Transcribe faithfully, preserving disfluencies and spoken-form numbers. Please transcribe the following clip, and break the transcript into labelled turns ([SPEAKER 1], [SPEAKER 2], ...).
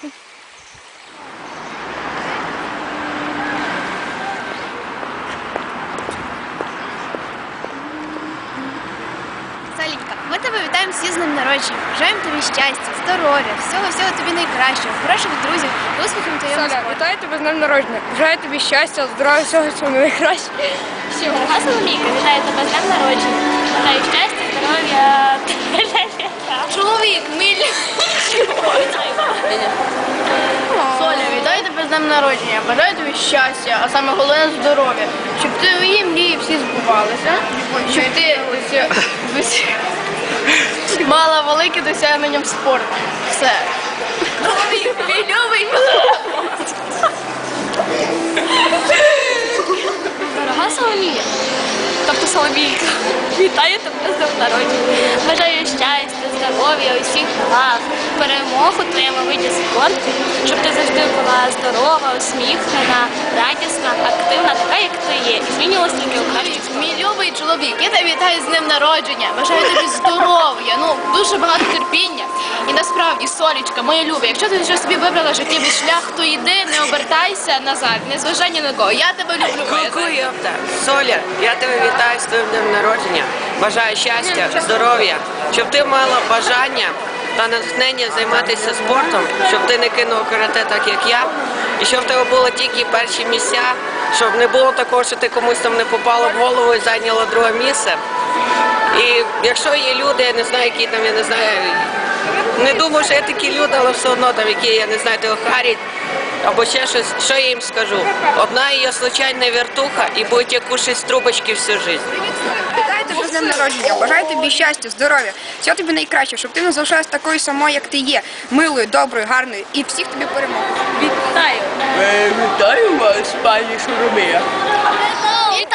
[SPEAKER 1] Салінька, ми тебе вітаємо всі з днем народження. Бажаємо тобі щастя, здоров'я, всього-всього тобі найкращого, хороших друзів, успіхів твоєму
[SPEAKER 2] Соля,
[SPEAKER 1] спорті.
[SPEAKER 2] вітаю тебе з днем народження. Бажаю тобі щастя, здоров'я, всього всього найкращого.
[SPEAKER 3] Дорога Соломійка, вітаю тебе з днем народження. Бажаю щастя, здоров'я.
[SPEAKER 1] Чоловік, милі. Соля, вітаю тебе з днем народження. Бажаю тобі щастя, а саме головне здоров'я. Щоб твої мрії всі збувалися, щоб ти ось, ось, мала велике досягнення в спорті. Все. Чоловік, мій любий.
[SPEAKER 3] Дорога Соломія, тобто Соломійка, вітаю тебе з днем народження. Бажаю щастя, здоров'я, усіх благ, перемог у твоєму виді спорту, щоб ти завжди була здорова, усміхнена, радісна, активна, така, як ти є. І змінювалася тільки у кращу сторону.
[SPEAKER 1] Мій любий чоловік, я тебе вітаю з днем народження. Бажаю тобі здоров'я, ну дуже багато терпіння. І насправді, Солічка, моя люба, якщо ти вже собі вибрала життєвий шлях, то йди, не обертайся назад, не зважай ні на кого. Я тебе люблю, моя
[SPEAKER 4] Ку-ку,
[SPEAKER 1] Соня.
[SPEAKER 4] йопта. Соля, я тебе вітаю з твоїм днем народження. Бажаю щастя, здоров'я, щоб ти мала бажання та натхнення займатися спортом, щоб ти не кинула карате так, як я, і щоб в тебе було тільки перші місця, щоб не було такого, що ти комусь там не попала в голову і зайняла друге місце. І якщо є люди, я не знаю, які там, я не знаю, не думаю, що є такі люди, але все одно там, які, я не знаю, тебе харять, або ще щось, що я їм скажу? Одна її случайна вертуха і будете кушати з трубочки всю життя.
[SPEAKER 2] Вітаю тебе з днем народження. Бажаю тобі щастя, здоров'я, всього тобі найкраще, щоб ти не залишалась такою самою, як ти є, милою, доброю, гарною і всіх тобі перемог.
[SPEAKER 3] Вітаю!
[SPEAKER 5] Вітаю вас, пані Шуромія.
[SPEAKER 1] Вітаю